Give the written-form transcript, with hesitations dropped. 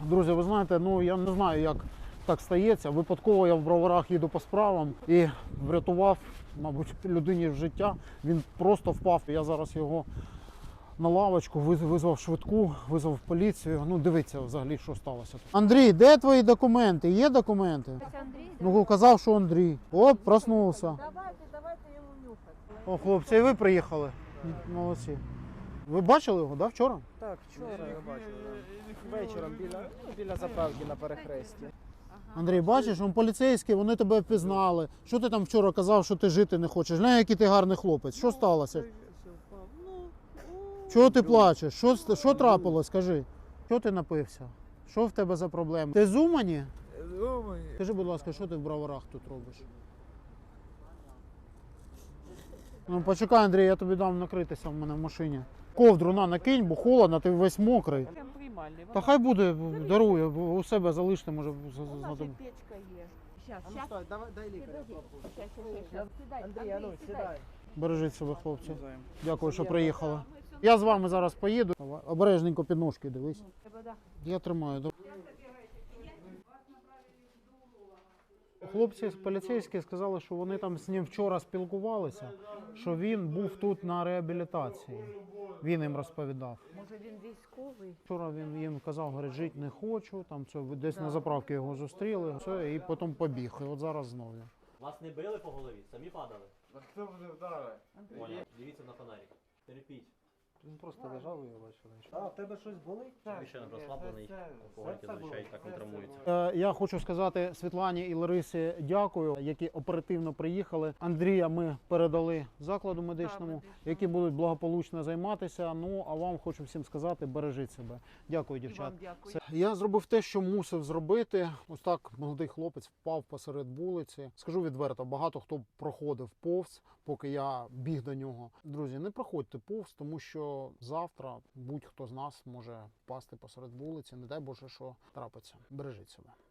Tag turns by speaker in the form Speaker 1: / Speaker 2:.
Speaker 1: Друзі, ви знаєте, ну я не знаю, як так стається. Випадково я в Броварах їду по справам і врятував, мабуть, людині життя. Він просто впав. Я зараз його на лавочку, визвав швидку, визвав поліцію. Ну, дивіться взагалі, що сталося. Андрій, де твої документи? Є документи? Ну, казав, що Андрій. Оп, проснувся.
Speaker 2: Давайте йому нюхати.
Speaker 1: О, хлопці, і ви приїхали. Молодці. Ви бачили його, да, вчора?
Speaker 3: Так, вчора я бачив. Вечором біля заправки на перехресті.
Speaker 1: Андрій, бачиш, он поліцейські, вони тебе впізнали. Що ти там вчора казав, що ти жити не хочеш? Глянь, який ти гарний хлопець. Що сталося? Чого ти плачеш? Що трапилось, скажи? Що ти напився? Що в тебе за проблеми? Ти з Умані? Скажи, будь ласка, що ти в Броварах тут робиш? Ну почекай, Андрій, я тобі дам накритися в мене в машині. Ковдру накинь, бо холодно, ти весь мокрий. Та хай буде, дарує, у себе залиште, може знадобиться.
Speaker 2: Печка є. Щас,
Speaker 3: А ну стой, дай лікаря.
Speaker 2: Андрій,
Speaker 3: а ну сідай.
Speaker 1: Бережіть себе, хлопці. Дякую, що приїхали. Я з вами зараз поїду. Обережненько під ножки дивись. Я тримаю. Хлопці поліцейські сказали, що вони там з ним вчора спілкувалися, що він був тут на реабілітації. Він їм розповідав.
Speaker 2: Може він військовий?
Speaker 1: Вчора він їм казав, говорить, жити не хочу, там це десь на заправці його зустріли, все, і потім побіг. І от зараз знову.
Speaker 4: Вас не били по голові, самі падали.
Speaker 3: Хто буде вдарив?
Speaker 4: Понял. Дивіться на фонарик. Терпіть.
Speaker 1: Він просто лежав і я бачив.
Speaker 3: А, в тебе щось болить?
Speaker 4: Ви ще не розслаблений, алкоголіки зазвичай так не травмуються.
Speaker 1: Я хочу сказати Світлані і Ларисі дякую, які оперативно приїхали. Андрія ми передали закладу медичному, які будуть благополучно займатися. Ну, а вам хочу всім сказати, бережіть себе. Дякую, дівчат.
Speaker 2: Дякую.
Speaker 1: Я зробив те, що мусив зробити. Ось так молодий хлопець впав посеред вулиці. Скажу відверто, багато хто проходив повз, поки я біг до нього. Друзі, не проходьте повз, тому що завтра будь-хто з нас може впасти посеред вулиці. Не дай Боже, що трапиться. Бережіть себе.